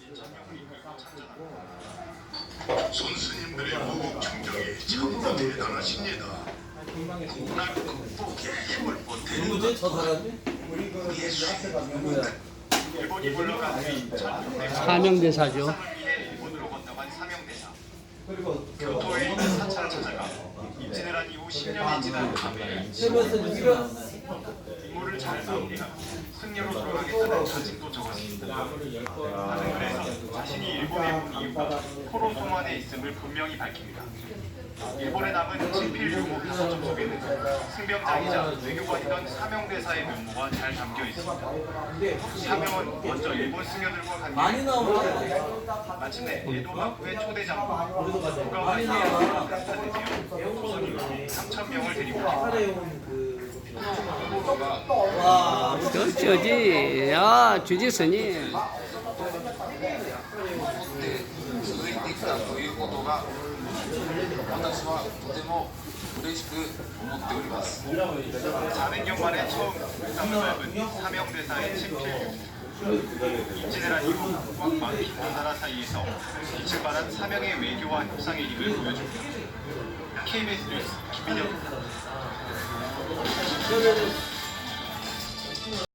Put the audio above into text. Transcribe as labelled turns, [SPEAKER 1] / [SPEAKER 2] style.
[SPEAKER 1] 선수님들의 무국 충정이 참으로 대단하십니다. 날 극복에 힘을 보태는
[SPEAKER 2] 누구지? 저 사람이?
[SPEAKER 1] 우리의 수행입니다. 일본이 물러간 뒤
[SPEAKER 3] 사명대사죠.
[SPEAKER 1] 위해 일본으로 건너간 사명대사.
[SPEAKER 2] 그리고
[SPEAKER 1] 교토에 있는 사찰을 찾아가 임진을 한 이후 10년이 지난 밤에
[SPEAKER 2] 세면서 누가
[SPEAKER 1] 임무를 잘 마무리하 승려로 돌아가겠다는 자신도 적었습니다. 하늘에서 자신이 일본에 온 이유가 포로 동안에 있음을 분명히 밝힙니다. 일본에 남은 친필 유무 가사점 속에는 승병장이자 외교관이던 사명대사의 면모가 잘 담겨 있습니다. 사명은 먼저 일본 승려들과
[SPEAKER 2] 많이
[SPEAKER 1] 관계를
[SPEAKER 2] 나오나?
[SPEAKER 1] 마침내 에도幕府의 초대장
[SPEAKER 2] 우리도
[SPEAKER 1] 누가
[SPEAKER 2] 많이 나와.
[SPEAKER 1] 조선인이 3,000명을 데리고
[SPEAKER 2] 카레용 그
[SPEAKER 1] 와
[SPEAKER 3] 그 저지, 야, 주지 스님.
[SPEAKER 4] 続いてきたということが私はとても嬉しく思っております。
[SPEAKER 1] 400년 만에 처음 묵상을 밟은 사명대사의 친필 유무. 임진을 한 이후 꽉 막힌 두 나라 사이에서 빛을 발한 사명의 외교와 협상의 힘을 보여줍니다. KBS 뉴스 김민혁입니다.